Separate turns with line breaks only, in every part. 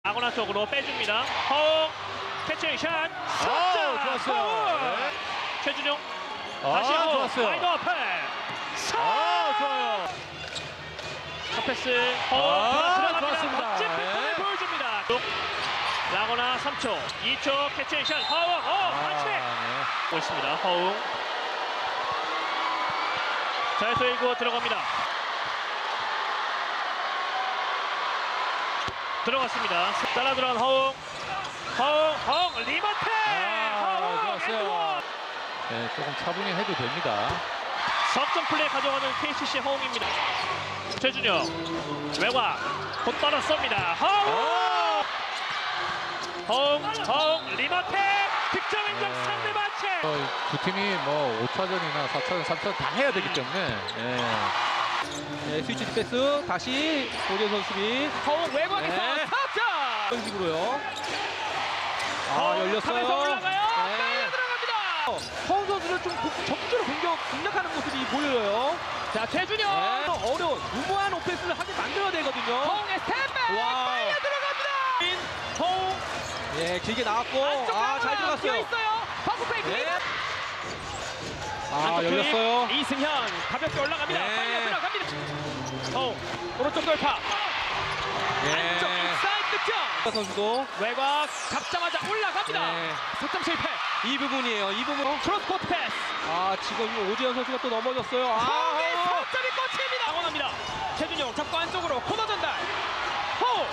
아고나 쪽으로 빼줍니다. 허웅 캐치샷
좋았어요. 네.
최준용 다시 허웅
좋았어요.
와이드 오픈
좋아요.
첫 패스 허웅 들어갑니다.
좋았습니다.
멋진 패턴을 보여줍니다. 라거나 3초 2초 캐치샷 허웅 반칙 보고 있습니다. 허웅 자유투 1구 들어갑니다. 들어갔습니다. 따라 들어간 허웅 리마테
좋았어요. 네, 조금 차분히 해도 됩니다.
석점 플레이 가져가는 KCC 허웅입니다. 최준영 외곽 곧바로 쏩니다. 허웅 리마테 득점 인정 상대 반칙.
두 팀이 뭐 5차전이나 4차전, 3차전 다 해야 되기 때문에
네, 스위치 디패스 다시 고재선 수비
허웅 외곽에서
네.
석점
이런 식으로요. 열렸어요.
탑에서 올라가요.
네.
빨려 들어갑니다.
허웅 선수는 좀 적극적으로 공략하는 모습이 보여요.
자 최준영
어려운 무모한 오펜스를 하게 만들어야 되거든요.
허웅의 스텝백
와.
빨려 들어갑니다. 허웅
예, 길게 나왔고 잘 들어갔어요.
있어요. 버크 페이크.
네. 열렸어요.
이승현 가볍게 올라갑니다.
네.
빨려 들어갑니다. 허웅 오른쪽 돌파. 안쪽 인사이드 득점.
선수도
외곽 잡자마자 올라갑니다.
네.
석점 실패.
이 부분이에요. 이 부분.
크로스 코트 패스.
지금 오지현 선수가 또 넘어졌어요.
허웅의 석점이 꽂힙니다. 당원합니다. 최준용 잡고 안쪽으로 코너 전달. 허웅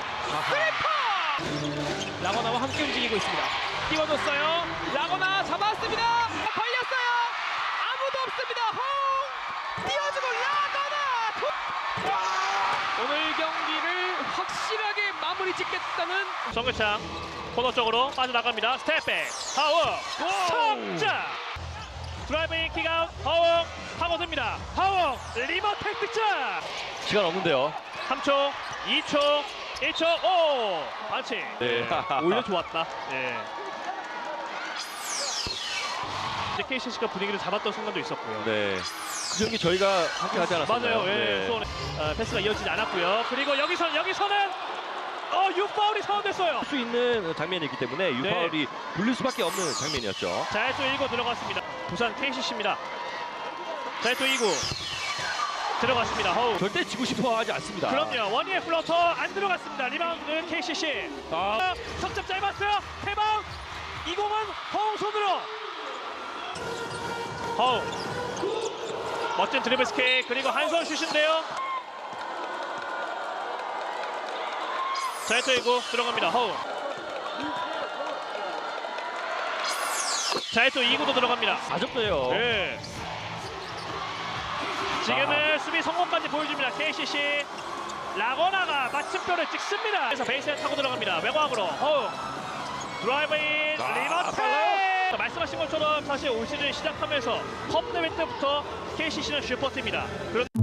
스리퍼. 라거나와 함께 움직이고 있습니다. 띄워줬어요. 라거나 잡았습니다. 걸렸어요. 아무도 없습니다. 허웅 띄워주고 라거나. 오늘 경기를 확실하게 마무리 짓겠다는 정규창 코너 쪽으로 빠져나갑니다. 스텝백 허웅 석점. 드라이브인 킥아웃 허웅 파고듭니다. 허웅 리버텍 득점.
시간 없는데요.
3초 2초 1초 오 반칙.
네.
오히려 좋았다. 예. 이제 KCC가 분위기를 잡았던 순간도 있었고요.
네. 그 경기 저희가 함께 하지 않았었나요?
맞아요. 예.
네.
수원의 패스가 이어지지 않았고요. 그리고 여기서는 유파울이 선언됐어요.
수 있는 장면이기 때문에 유파울이 불릴 수밖에 없는 장면이었죠.
자유투 1구 들어갔습니다. 부산 KCC입니다. 자유투 2구 들어갔습니다. 허우.
절대 지고 싶어 하지 않습니다.
그럼요. 원희의 플러터 안 들어갔습니다. 리바운드 KCC. 석점 짧았어요. 태방. 이공은 허웅 손으로. 허웅. 멋진 드리블 스케이트 그리고 한 손 슛인데요. 자유투 1구 들어갑니다. 허웅. 자유투 2구도 들어갑니다.
아쉽네요.
네. 지금은 수비 성공까지 보여줍니다. KCC 라거나가 마침표를 찍습니다. 그래서 베이스에 타고 들어갑니다. 외곽으로 허웅 드라이브인 리버테. 말씀하신 것처럼 사실 올 시즌 시작하면서 컵 대회 때부터 KCC는 슈퍼팀입니다. 그런